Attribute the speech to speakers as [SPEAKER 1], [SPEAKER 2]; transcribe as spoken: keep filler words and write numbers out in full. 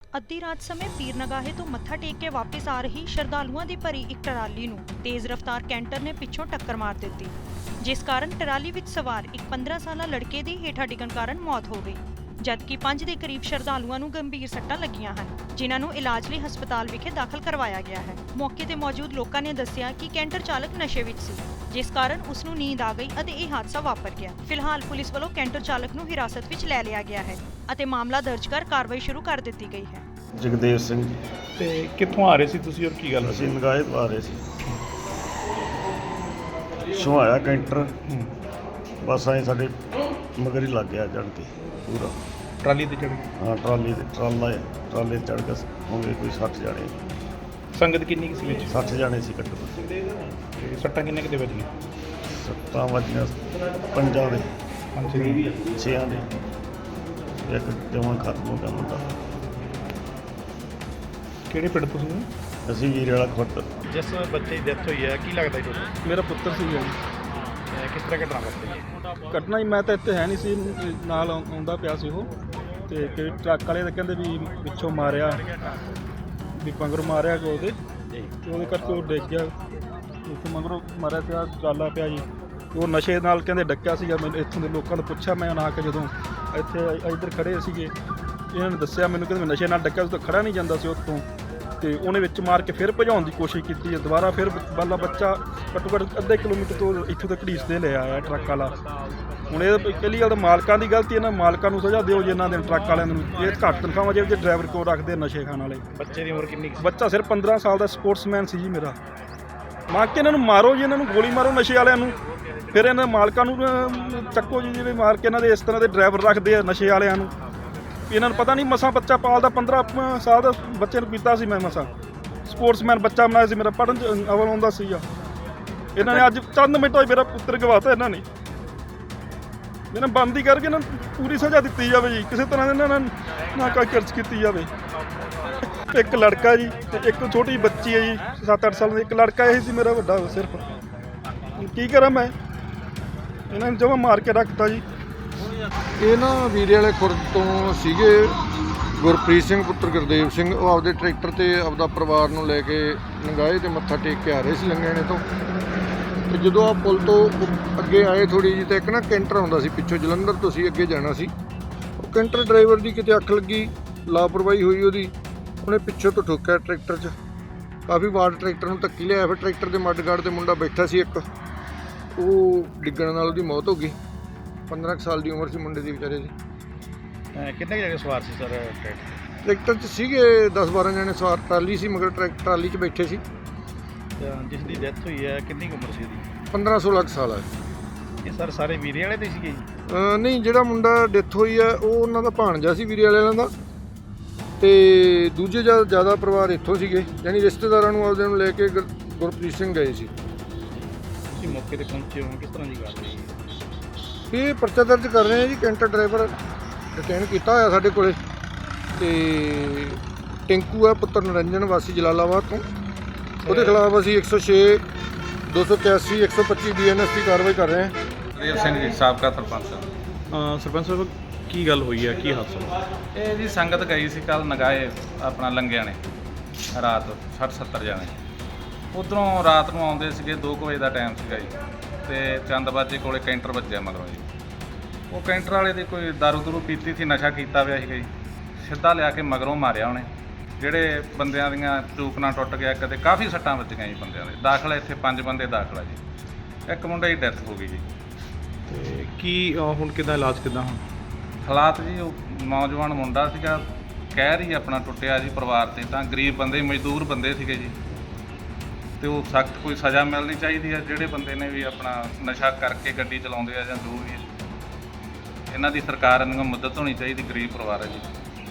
[SPEAKER 1] ਅੱਧੀ ਰਾਤ ਸਮੇਂ ਪੀਰ ਨਗਾਹੇ ਤੋਂ ਮੱਥਾ ਟੇਕ ਕੇ ਵਾਪਸ ਆ ਰਹੀ ਸ਼ਰਧਾਲੂਆਂ ਦੀ ਭਰੀ ਇੱਕ ਟਰਾਲੀ ਨੂੰ ਤੇਜ਼ ਰਫ਼ਤਾਰ ਕੈਂਟਰ ਨੇ ਪਿੱਛੋਂ ਟੱਕਰ ਮਾਰ ਦਿੱਤੀ, ਜਿਸ ਕਾਰਨ ਟਰਾਲੀ ਵਿੱਚ ਸਵਾਰ ਇੱਕ ਪੰਦਰਾਂ ਸਾਲਾ ਲੜਕੇ ਦੀ ਹੇਠਾਂ ਡਿੱਗਣ ਕਾਰਨ ਮੌਤ ਹੋ ਗਈ, ਜਦਕਿ ਪੰਜ ਦੇ ਕਰੀਬ ਸ਼ਰਧਾਲੂਆਂ ਨੂੰ ਗੰਭੀਰ ਸੱਟਾਂ ਲੱਗੀਆਂ ਹਨ, ਜਿਨ੍ਹਾਂ ਨੂੰ ਇਲਾਜ ਲਈ ਹਸਪਤਾਲ ਵਿਖੇ ਦਾਖਲ ਕਰਵਾਇਆ ਗਿਆ ਹੈ। ਮੌਕੇ ਤੇ ਮੌਜੂਦ ਲੋਕਾਂ ਨੇ ਦੱਸਿਆ ਕਿ ਕੈਂਟਰ ਚਾਲਕ ਨਸ਼ੇ ਵਿੱਚ ਸੀ, ਜਿਸ ਕਾਰਨ ਉਸ ਨੂੰ ਨੀਂਦ ਆ ਗਈ ਅਤੇ ਇਹ ਹਾਦਸਾ ਵਾਪਰ ਗਿਆ। ਫਿਲਹਾਲ ਪੁਲਿਸ ਵੱਲੋਂ ਕੈਂਟਰ ਚਾਲਕ ਨੂੰ ਹਿਰਾਸਤ ਵਿੱਚ ਲੈ ਲਿਆ ਗਿਆ ਹੈ ਅਤੇ ਮਾਮਲਾ ਦਰਜ ਕਰ ਕਾਰਵਾਈ ਸ਼ੁਰੂ ਕਰ ਦਿੱਤੀ ਗਈ ਹੈ।
[SPEAKER 2] ਜਗਦੇਵ ਸਿੰਘ
[SPEAKER 3] ਤੇ ਕਿੱਥੋਂ ਆ ਰਹੇ ਸੀ ਤੁਸੀਂ ਔਰ ਕੀ ਗੱਲ
[SPEAKER 2] ਅਸੀਂ ਨਗਾਹੇ ਤੋਂ ਆ ਰਹੇ ਸੀ। ਸੁਹਾਇਆ ਕੈਂਟਰ ਬਸ ਐਂ ਸਾਡੇ ਮਗਰ ਹੀ ਲੱਗ ਗਿਆ ਚੜ੍ਹ ਕੇ ਪੂਰਾ
[SPEAKER 3] ਟਰਾਲੀ ਤੇ ਚੜ੍ਹ
[SPEAKER 2] ਹਾਂ ਟਰਾਲੀ ਤੇ ਟਰਾਲਾ ਟਰਾਲੇ ਚੜ੍ਹ ਕੇ ਹੋਵੇ ਕੋਈ ਸੱਠ ਜਾਣੇ
[SPEAKER 3] ਸੰਗਤ ਕਿੰਨੀ ਕੁ ਸੀ ਵਿੱਚ?
[SPEAKER 2] ਸੱਠ ਜਾਣੇ ਸੀ ਘੱਟੋ ਘੱਟ।
[SPEAKER 3] ਤੇ ਸੱਟਾਂ ਕਿੰਨੇ ਕਿਤੇ ਵੱਜੀਆਂ?
[SPEAKER 2] ਸੱਤਾਂ ਵੱਜੀਆਂ ਪੰਜਾਂ ਦੇ
[SPEAKER 3] ਪੰਜ ਛੇ
[SPEAKER 2] ਛੇਆਂ ਦੇ ਇੱਕ ਜਮਾਂ ਖਤਮ ਹੋ ਗਿਆ ਮੁੰਡਾ।
[SPEAKER 3] ਕਿਹੜੇ ਪਿੰਡ ਤੋਂ ਸੀ?
[SPEAKER 2] ਅਸੀਂ ਵੀਰੇ ਵਾਲਾ ਖੁੱਟ।
[SPEAKER 3] ਜਿਸ ਬੱਚੇ ਦੀ ਡੈਥ ਹੋਈ ਹੈ ਕੀ ਲੱਗਦਾ ਜੀ ਤੁਹਾਨੂੰ?
[SPEAKER 4] ਮੇਰਾ ਪੁੱਤਰ ਸੀ ਜੀ।
[SPEAKER 3] ਕਿਸ ਤਰ੍ਹਾਂ ਘਟਨਾ ਵਾਪਰੀ?
[SPEAKER 4] ਘਟਨਾ ਹੀ ਮੈਂ ਤਾਂ ਇੱਥੇ ਹੈ ਨਹੀਂ ਸੀ, ਨਾਲ ਆਉਂ- ਆਉਂਦਾ ਪਿਆ ਸੀ ਉਹ, ਤੇ ਕਿ ਟਰੱਕ ਵਾਲੇ ਤਾਂ ਕਹਿੰਦੇ ਵੀ ਪਿੱਛੋਂ ਮਾਰਿਆ, ਵੀ ਪੰਗਰ ਮਾਰਿਆ ਕੋ ਉਹਦੇ, ਤੇ ਉਹਦੇ ਕਰਕੇ ਉਹ ਡਿੱਗ ਗਿਆ। ਉੱਥੇ ਮਗਰੋਂ ਮਾਰਿਆ ਪਿਆ ਟਰਾਲਾ ਪਿਆ ਜੀ, ਉਹ ਨਸ਼ੇ ਨਾਲ ਕਹਿੰਦੇ ਡੱਕਿਆ ਸੀਗਾ। ਮੈਨੂੰ ਇੱਥੋਂ ਦੇ ਲੋਕਾਂ ਨੂੰ ਪੁੱਛਿਆ ਮੈਂ ਆ ਕੇ, ਜਦੋਂ ਇੱਥੇ ਇੱਧਰ ਖੜੇ ਸੀਗੇ, ਇਹਨਾਂ ਨੇ ਦੱਸਿਆ ਮੈਨੂੰ, ਕਹਿੰਦੇ ਮੈਂ ਨਸ਼ੇ ਨਾਲ ਡੱਕਿਆ ਸੀ, ਤਾਂ ਖੜਾ ਨਹੀਂ ਜਾਂਦਾ ਸੀ ਉੱਥੋਂ, ਤੇ ਉਹਨੇ ਵਿੱਚ ਮਾਰ ਕੇ ਫਿਰ ਭਜਾਉਣ ਦੀ ਕੋਸ਼ਿਸ਼ ਕੀਤੀ। ਦੁਬਾਰਾ ਫਿਰ ਬਾਲਾ ਬੱਚਾ ਘੱਟੋ ਘੱਟ ਅੱਧੇ ਕਿਲੋਮੀਟਰ ਤੋਂ ਇੱਥੋਂ ਤੱਕ ਘੜੀਸਦੇ ਲੈ ਆਇਆ ਟਰੱਕ ਵਾਲਾ। ਹੁਣ ਇਹ ਪਹਿਲੀ ਗੱਲ ਤਾਂ ਮਾਲਕਾਂ ਦੀ ਗਲਤੀ, ਇਹਨਾਂ ਮਾਲਕਾਂ ਨੂੰ ਸਜ਼ਾ ਦਿਓ ਜੀ, ਇਹਨਾਂ ਦੇ ਟਰੱਕ ਵਾਲਿਆਂ ਨੂੰ। ਇਹ ਘੱਟ ਤਨਖਾਹਾਂ ਜਿਹੜੇ ਡਰਾਈਵਰ ਕੋਲ ਰੱਖਦੇ ਨਸ਼ੇ ਖਾਣ ਵਾਲੇ।
[SPEAKER 3] ਬੱਚੇ ਦੀ ਉਮਰ ਕਿੰਨੀ ਕੁ ਸੀ?
[SPEAKER 4] ਬੱਚਾ ਸਿਰਫ ਪੰਦਰਾਂ ਸਾਲ ਦਾ ਸਪੋਰਟਸਮੈਨ ਸੀ ਜੀ ਮੇਰਾ। ਮਾਰ ਕੇ ਇਹਨਾਂ ਨੂੰ ਮਾਰੋ ਜੀ, ਇਹਨਾਂ ਨੂੰ ਗੋਲੀ ਮਾਰੋ ਨਸ਼ੇ ਵਾਲਿਆਂ ਨੂੰ, ਫਿਰ ਇਹਨਾਂ ਮਾਲਕਾਂ ਨੂੰ ਅਹ, ਚੱਕੋ ਜੀ, ਜਿਹੜੇ ਮਾਰ ਕੇ ਇਹਨਾਂ ਦੇ ਇਸ ਤਰ੍ਹਾਂ ਦੇ ਡਰਾਈਵਰ ਰੱਖਦੇ ਆ ਨਸ਼ੇ ਵਾਲਿਆਂ ਨੂੰ। ਇਹਨਾਂ ਨੂੰ ਪਤਾ ਨਹੀਂ ਮਸਾਂ ਬੱਚਾ ਪਾਲਦਾ, ਪੰਦਰਾਂ ਸਾਲ ਦਾ ਬੱਚੇ ਨੂੰ ਕੀਤਾ ਸੀ ਮੈਂ ਮਸਾਂ। ਸਪੋਰਟਸਮੈਨ ਬੱਚਾ ਬਣਾਇਆ ਸੀ ਮੇਰਾ, ਪੜ੍ਹਨ 'ਚ ਅਵਲ ਆਉਂਦਾ ਸੀਗਾ। ਇਹਨਾਂ ਨੇ ਅੱਜ ਚੰਦ ਮਿੰਟਾਂ 'ਚ ਮੇਰਾ ਪੁੱਤਰ ਗਵਾਤਾ। ਇਹਨਾਂ ਨੇ ਇਹਨਾਂ ਬੰਦੀ ਕਰਕੇ ਇਹਨਾਂ ਨੂੰ ਪੂਰੀ ਸਜ਼ਾ ਦਿੱਤੀ ਜਾਵੇ ਜੀ, ਕਿਸੇ ਤਰ੍ਹਾਂ ਇਹਨਾਂ ਨਾਲ ਨਾ ਕੋਈ ਖਰਚ ਕੀਤੀ ਜਾਵੇ। ਇੱਕ ਲੜਕਾ ਜੀ ਤੇ ਇੱਕ ਛੋਟੀ ਬੱਚੀ ਹੈ ਜੀ, ਸੱਤ ਅੱਠ ਸਾਲ ਦੀ। ਇੱਕ ਲੜਕਾ ਇਹ ਸੀ ਮੇਰਾ ਵੱਡਾ ਸਿਰਫ। ਕੀ ਕਰਾਂ ਮੈਂ, ਇਹਨਾਂ ਨੇ ਜਮਾਂ ਮਾਰ ਕੇ ਰੱਖਤਾ ਜੀ।
[SPEAKER 5] ਇਹ ਨਾ ਵੀਰੇ ਵਾਲੇ ਖੁਰਦ ਤੋਂ ਸੀਗੇ ਗੁਰਪ੍ਰੀਤ ਸਿੰਘ ਪੁੱਤਰ ਗੁਰਦੇਵ ਸਿੰਘ। ਉਹ ਆਪਦੇ ਟਰੈਕਟਰ ਤੇ ਆਪਦਾ ਪਰਿਵਾਰ ਨੂੰ ਲੈ ਕੇ ਨਗਾਹੇ ਤੇ ਮੱਥਾ ਟੇਕ ਕੇ ਆ ਰਹੇ ਸੀ ਲੰਗੇਣੇ ਤੋਂ। ਤੇ ਜਦੋਂ ਆ ਪੁਲ ਤੋਂ ਅੱਗੇ ਆਏ ਥੋੜੀ ਜਿਹੀ, ਤਾਂ ਇੱਕ ਨਾ ਕੈਂਟਰ ਆਉਂਦਾ ਸੀ ਪਿੱਛੋਂ, ਜਲੰਧਰ ਤੋਂ ਸੀ, ਅੱਗੇ ਜਾਣਾ ਸੀ। ਉਹ ਕੈਂਟਰ ਡਰਾਈਵਰ ਦੀ ਕਿਤੇ ਅੱਖ ਲੱਗੀ, ਲਾਪਰਵਾਹੀ ਹੋਈ ਉਹਦੀ, ਉਹਨੇ ਪਿੱਛੋਂ ਤੋਂ ਠੋਕਿਆ ਟਰੈਕਟਰ 'ਚ। ਕਾਫੀ ਵਾਰ ਟਰੈਕਟਰ ਨੂੰ ਧੱਕੀ ਲਿਆ। ਫਿਰ ਟਰੈਕਟਰ ਦੇ ਮੱਡਗਾਰਡ 'ਤੇ ਮੁੰਡਾ ਬੈਠਾ ਸੀ ਇੱਕ, ਉਹ ਡਿੱਗਣ ਨਾਲ ਉਹਦੀ ਮੌਤ ਹੋ ਗਈ। ਪੰਦਰਾਂ ਕੁ ਸਾਲ ਦੀ ਉਮਰ ਸੀ ਮੁੰਡੇ ਦੀ ਵਿਚਾਰੇ ਦੀ।
[SPEAKER 3] ਕਿੰਨੇ ਕੁ ਜਗ੍ਹਾ ਸਵਾਰ ਸੀ ਸਰ?
[SPEAKER 5] ਟਰੈਕਟਰ 'ਚ ਸੀਗੇ ਦਸ ਬਾਰਾਂ ਜਣੇ ਸਵਾਰ। ਟਰਾਲੀ ਸੀ ਮਗਰ, ਟਰੈਕ ਟਰਾਲੀ 'ਚ ਬੈਠੇ ਸੀ।
[SPEAKER 3] ਜਿਸ ਦੀ ਡੈਥ ਹੋਈ ਹੈ ਕਿੰਨੀ ਕੁ ਉਮਰ ਸੀ ਉਹਦੀ?
[SPEAKER 5] ਪੰਦਰਾਂ ਸੋਲਾਂ ਕੁ ਸਾਲ ਆ।
[SPEAKER 3] ਇਹ ਸਰ ਸਾਰੇ ਵੀਰੇ ਵਾਲੇ ਦੇ ਸੀਗੇ ਜੀ?
[SPEAKER 5] ਅਹ ਨਹੀਂ, ਜਿਹੜਾ ਮੁੰਡਾ ਡੈਥ ਹੋਈ ਆ ਉਹ ਉਹਨਾਂ ਦਾ ਭਾਣਜਾ ਸੀ ਵੀਰੇ ਵਾਲਿਆਂ ਦਾ, ਤੇ ਦੂਜੇ ਜ਼ਿਆਦਾ ਜ਼ਿਆਦਾ ਪਰਿਵਾਰ ਇੱਥੋਂ ਸੀਗੇ, ਯਾਨੀ ਰਿਸ਼ਤੇਦਾਰਾਂ ਨੂੰ ਆਪਦੇ ਨੂੰ ਲੈ ਕੇ ਗੁਰ- ਗੁਰਪ੍ਰੀਤ ਸਿੰਘ ਗਏ ਸੀ।
[SPEAKER 3] ਤੁਸੀਂ ਮੌਕੇ ਤੇ ਪਹੁੰਚੇ ਹੋ, ਕਿਸ ਤਰ੍ਹਾਂ ਦੀ ਗੱਲ ਹੈ?
[SPEAKER 5] ਇਹ ਪਰਚਾ ਦਰਜ ਕਰ ਰਹੇ ਆ ਜੀ। ਕੈਂਟਰ ਡਰਾਈਵਰ ਡਿਟੇਨ ਕੀਤਾ ਹੋਇਆ ਸਾਡੇ ਕੋਲੇ, ਤੇ ਟਿੰਕੂ ਆ ਪੁੱਤਰ ਨਰਿੰਜਨ ਵਾਸੀ ਜਲਾਲਾਬਾਦ ਤੋਂ। ਉਹਦੇ ਖਿਲਾਫ ਅਸੀਂ ਇੱਕ ਸੌ ਛੇ, ਦੋ ਸੌ ਇਕਿਆਸੀ, ਇੱਕ ਸੌ ਪੱਚੀ ਬੀ ਐਨ ਐਸ ਦੀ ਕਾਰਵਾਈ ਕਰ ਰਹੇ ਹਾਂ।
[SPEAKER 6] ਦੇਵ ਸਿੰਘ ਜੀ, ਸਾਬਕਾ ਸਰਪੰਚ।
[SPEAKER 3] ਸਰਪੰਚ ਸਾਹਿਬ ਕੀ ਗੱਲ ਹੋਈ ਹੈ, ਕੀ ਹਾਦਸਾ?
[SPEAKER 6] ਇਹ ਜੀ ਸੰਗਤ ਗਈ ਸੀ ਕੱਲ ਨਗਾਹੇ ਆਪਣਾ ਲੰਗਿਆਂ ਨੇ, ਰਾਤ ਸੱਠ ਸੱਤਰ ਜਾਣੇ। ਉੱਧਰੋਂ ਰਾਤ ਨੂੰ ਆਉਂਦੇ ਸੀਗੇ, ਦੋ ਕੁ ਵਜੇ ਦਾ ਟਾਈਮ ਸੀਗਾ ਜੀ, ਤੇ ਚੰਦਬਾਜੇ ਕੋਲੇ ਕੈਂਟਰ ਵੱਜਿਆ ਮਗਰੋਂ ਜੀ। ਉਹ ਕੈਂਟਰ ਵਾਲੇ ਦੀ ਕੋਈ ਦਾਰੂ ਦੂਰੂ ਪੀਤੀ ਸੀ, ਨਸ਼ਾ ਕੀਤਾ ਹੋਇਆ ਸੀਗਾ ਜੀ। ਸਿੱਧਾ ਲਿਆ ਕੇ ਮਗਰੋਂ ਮਾਰਿਆ ਉਹਨੇ। ਜਿਹੜੇ ਬੰਦਿਆਂ ਦੀਆਂ ਚੂਕਣਾ ਟੁੱਟ ਗਿਆ, ਕਦੇ ਕਾਫੀ ਸੱਟਾਂ ਵੱਜੀਆਂ ਜੀ ਬੰਦਿਆਂ ਦੇ। ਦਾਖਲਾ ਇੱਥੇ ਪੰਜ ਬੰਦੇ ਦਾਖਲਾ ਜੀ, ਇੱਕ ਮੁੰਡੇ ਦੀ ਡੈਥ ਹੋ ਗਈ ਜੀ।
[SPEAKER 3] ਤੇ ਕੀ ਅਹ, ਹੁਣ ਕਿੱਦਾਂ ਇਲਾਜ ਕਿੱਦਾਂ ਹੁਣ?
[SPEAKER 6] ਹਾਲਾਤ ਜੀ, ਉਹ ਨੌਜਵਾਨ ਮੁੰਡਾ ਸੀਗਾ, ਕਹਿਰ ਹੀ ਆਪਣਾ ਟੁੱਟਿਆ ਜੀ ਪਰਿਵਾਰ 'ਤੇ। ਤਾਂ ਗਰੀਬ ਬੰਦੇ, ਮਜ਼ਦੂਰ ਬੰਦੇ ਸੀਗੇ ਜੀ, ਤੇ ਉਹ ਸਖਤ ਕੋਈ ਸਜ਼ਾ ਮਿਲਣੀ ਚਾਹੀਦੀ ਹੈ ਜਿਹੜੇ ਬੰਦੇ ਨੇ ਵੀ ਆਪਣਾ ਨਸ਼ਾ ਕਰਕੇ ਗੱਡੀ ਚਲਾਉਂਦੇ ਆ ਜਾਂ ਜੋ ਵੀ। ਇਹਨਾਂ ਦੀ ਸਰਕਾਰ ਨੂੰ ਮਦਦ ਹੋਣੀ ਚਾਹੀਦੀ, ਗਰੀਬ ਪਰਿਵਾਰ ਹੈ ਜੀ।